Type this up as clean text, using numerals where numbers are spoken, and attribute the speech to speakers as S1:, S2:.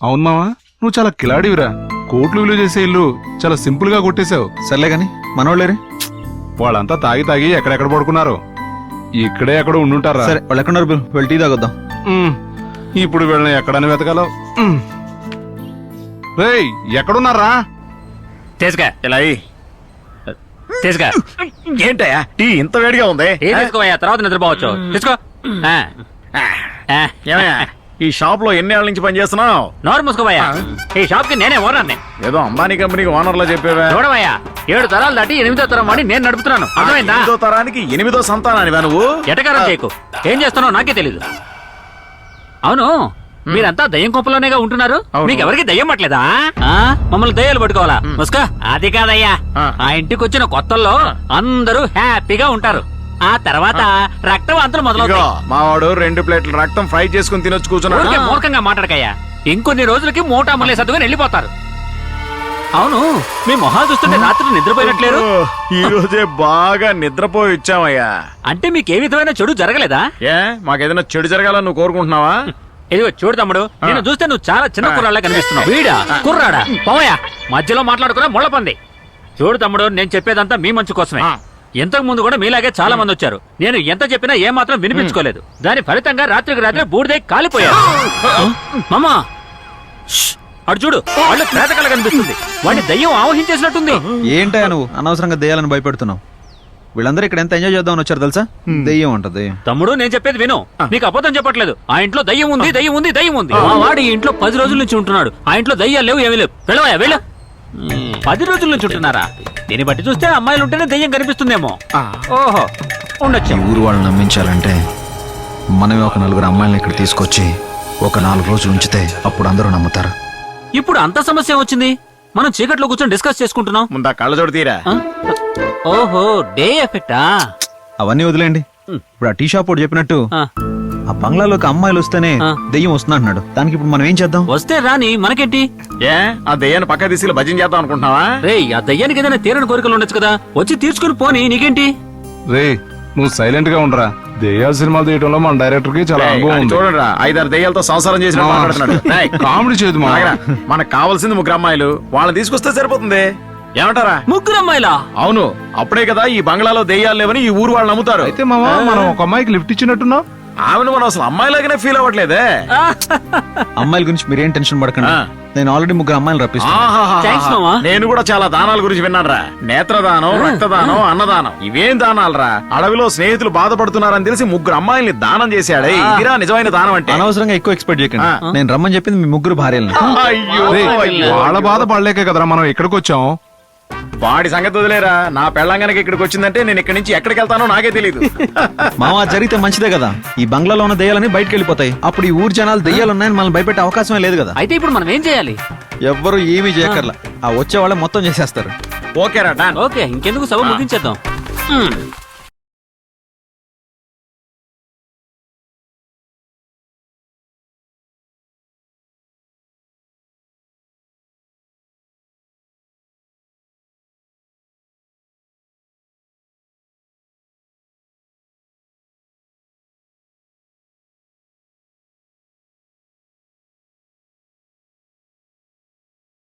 S1: అవును మావా, నువ్వు చాలా కిలాడివిరా. కోట్లు విలువ చేసే ఇల్లు చాలా సింపుల్ గా కొట్టేశావు.
S2: సర్లే గాని మనోళ్ళేరే?
S1: వాళ్ళంతా తాగి తాగి ఎక్కడెక్కడ పడుకున్నారు. ఇక్కడే ఎక్కడ ఉండుంటారా?
S2: సరే వాళ్ళు ఎక్కడున్నారు బిల్? వెళ్ళి టీ తాగొద్దాం.
S1: ఇప్పుడు వీళ్ళని ఎక్కడని వెతకాలో. రేయ్, ఎక్కడున్నారా?
S3: తీసుకా
S4: ఇలా
S3: తీసుకా.
S4: ఏంటయ్యా టీ ఇంత వేడిగా ఉంది?
S3: తీసుకోవయ్యా, తర్వాత నిద్రపోవచ్చు. తీసుకో.
S4: ఏమయ్యా ఈ షాప్ లో ఎన్నేళ్ల నుంచి పనిచేస్తున్నావు?
S3: నోరు మూసుకోవయ్యా. ఈ షాప్ కి నేనే ఓనర్ని.
S4: ఏదో అంబానీ కంపెనీకి ఓనర్ లో చెప్పేవా?
S3: చూడవయ్యా, 7 తరాలు దాటి 8వ తరం వాడి నేను నడుపుతున్నాను. అర్థమైందా?
S4: 8వ తరానికి 8వ సంతానానివా నువ్వు?
S3: ఎటకారం చేయకు. ఏం చేస్తున్నావు నాకే తెలీదు. అవును, మీరంతా దయ్యం కొంపలోనేగా ఉంటున్నారు.
S4: అవును.
S3: మీకెవరికి దయ్యం పట్టలేదా? మమ్మల్ని దయ్యాలు పట్టుకోవాలా? ముస్కా. అది కాదయ్యా, ఆ ఇంటికి వచ్చిన కొత్తల్లో అందరూ హ్యాపీగా ఉంటారు. ఆ తర్వాత రక్తవాంతులు
S4: ఇదిగో,
S3: మొదలవుతాయి.
S4: మావాడు 2 ప్లేట్ల రక్తం ఫ్రై చేసుకుని తినొచ్చు కూర్చున్నాడు.
S3: ఊరికే మూర్ఖంగా మాట్లాడకయ్యా. ఇంకొన్ని రోజులకి మూటా ముల్లే సర్దుకొని వెళ్ళిపోతారు. అవును, మీ మొహాలు చూస్తుంటే రాత్రి నిద్రపోయినట్లేరు.
S4: ఈ రోజే బాగా నిద్రపోయి వచ్చామయ్యా.
S3: అంటే మీకే విధమైన చెడు జరగలేదా?
S4: ఏ మాకేదైనా చెడు జరగాలని నువ్వు కోరుకుంటున్నావా?
S3: ఇదిగో చూడు తమ్ముడు, నేను చూస్తే నువ్వు చాలా చిన్న కుర్రాళ్ళ కనిపిస్తున్నావు. వీడా కుర్రాడా? పోవయ్యా, మధ్యలో మాట్లాడుకున్నా ముళ్ళపంది. చూడు తమ్ముడు, నేను చెప్పేదంతా మీ మంచి కోసమే. ఇంతకు ముందు కూడా మీలాగే చాలా మంది వచ్చారు. నేను ఎంత చెప్పినా ఏ మాత్రం వినిపించుకోలేదు. దాని ఫలితంగా రాత్రికి రాత్రి బూడిదై కాలిపోయారు. మామా, అడు చూడు, వాళ్ళు ప్రేతకళ కనిపిస్తుంది. వాడిని దయ్యం ఆవహించేసినట్టుంది.
S2: ఏంటయ్యా నువ్వు అనవసరంగా దెయ్యాలని భయపెడుతున్నావు? వీళ్ళందరూ ఇక్కడ ఎంత ఎంజాయ్ చేద్దామని వచ్చారు తెలుసా? దెయ్యం ఉంటది.
S3: తమ్ముడు, నేను చెప్పేది విను. నీకు అబద్ధం చెప్పట్లేదు. ఆ ఇంట్లో దయ్యం ఉంది, దయ్యం ఉంది, దయ్యం ఉంది. మా వాడు ఈ ఇంట్లో 10 రోజుల నుంచి ఉంటున్నాడు. ఆ ఇంట్లో దయ్యాలు లేవు, ఏమీ లేవు. వెళ్ళవయ్యా, వెళ్ళు. 10 రోజుల నుంచి ఉంటున్నారా? దీన్ని బట్టి చూస్తే అమ్మాయిలు ఉంటేనే దయ్యం కనిపిస్తుందేమో. ఓహో, ఉండొచ్చు.
S2: ఈ ఊరు వాళ్ళని నమ్మించాలంటే మనమే ఒక 4 అమ్మాయిలను ఇక్కడ తీసుకొచ్చి ఒక 4 రోజులు ఉంచితే అప్పుడు అందరూ నమ్ముతారు.
S3: ఇప్పుడు అంత సమస్య వచ్చింది. మనం చీకట్లో కూర్చొని డిస్కస్ చేసుకుంటున్నాం.
S4: ముందా కళ్ళజోడు తీరా.
S3: ఓహో, డే ఎఫెక్టా?
S2: అవన్నీ వదిలేండి. ఇప్పుడు ఆ టీ షాప్ వాడు చెప్పినట్టు ఆ బంగ్లాలోకి అమ్మాయిలు వస్తేనే దెయ్యం వస్తున్నా అంటున్నాడు. దానికి ఇప్పుడు మనం ఏం చేద్దాం?
S3: వస్తే రాని, మనకేంటి?
S4: ఏ ఆ దయ్యాన్ని పక్క తీసి భజన చేద్దాం అనుకుంటున్నావా?
S3: రే, ఆ దయ్యానికి ఏదైనా తీరని కోరికలు ఉండొచ్చు కదా, వచ్చి తీర్చుకుని పోని, నీకేంటి?
S1: రే, నువ్వు సైలెంట్ గా ఉండరా. దెయ్యాల సినిమాలు తీయటంలో మన డైరెక్టర్ కి చాలా అనుభవం ఉంది.
S4: చూడరా, 5-6 దయ్యాలతో సంసారం చేసిన మాట్లాడుతున్నాడు. ఏయ్,
S1: కామెడీ చేయదు మా.
S4: మనకు కావాల్సింది 3 అమ్మాయిలు. వాళ్ళని తీసుకొస్తే సరిపోతుంది. ఏమంటారా?
S3: 3 అమ్మాయిలా?
S4: అవును, అప్పుడే కదా ఈ బంగ్లాలో దెయ్యాలు లేవని ఈ ఊరు వాళ్ళు నమ్ముతారు.
S1: అయితే మావా, మనం ఒక అమ్మాయికి లిఫ్ట్ ఇచ్చినట్టున్నావు.
S4: ఆమెను మనం అసలు అమ్మాయిలాగానే ఫీల్ అవ్వట్లేదే.
S2: అమ్మాయిల గురించి మీరేం టెన్షన్ పడకండి. నేను ఆల్రెడీ 3 అమ్మాయిలు రప్పిస్తాను.
S3: థాంక్స్ మామా.
S4: నేను కూడా చాలా దానాల గురించి విన్నానురా. నేత్రదానం, రక్తదానం, అన్నదానం. ఇవేం దానాలరా? అడవిలో స్నేహితులు బాధపడుతున్నారని తెలిసి 3 అమ్మాయిల్ని దానం చేశాడే. ఇదిరా నిజమైన దానం అంటే.
S2: అనవసరంగా ఎక్కువ ఎక్స్పెక్ట్ చేయకండి. నేను రమ్మని చెప్పింది మీ 3 భార్యలను.
S4: అయ్యో,
S1: వాళ్ళ బాధ పడలేకే కదరా మనం ఇక్కడికి వచ్చాం.
S4: వాడి సంగతి వదిలేరా. నా పెళ్ళంగానికి ఇక్కడికి వచ్చిందంటే నేను ఇక్కడి నుంచి ఎక్కడికి వెళ్తానో నాకే తెలియదు.
S2: మావా, జరిగితే మంచిదే కదా. ఈ బంగ్లాలో ఉన్న దెయ్యాలని బయటకు వెళ్ళిపోతాయి. అప్పుడు ఈ ఊరు జనాలు దెయ్యాలున్నాయని మనం భయపెట్టే అవకాశమే లేదు కదా.
S3: అయితే ఇప్పుడు మనం ఏం చేయాలి?
S2: ఎవ్వరు ఏమీ చేయక్కర్లా. ఆ వచ్చే వాళ్ళే మొత్తం చేసేస్తారు.
S4: ఓకేరా, డన్.
S3: ఓకే, ఇంకెందుకు సభ ముగించేద్దాం.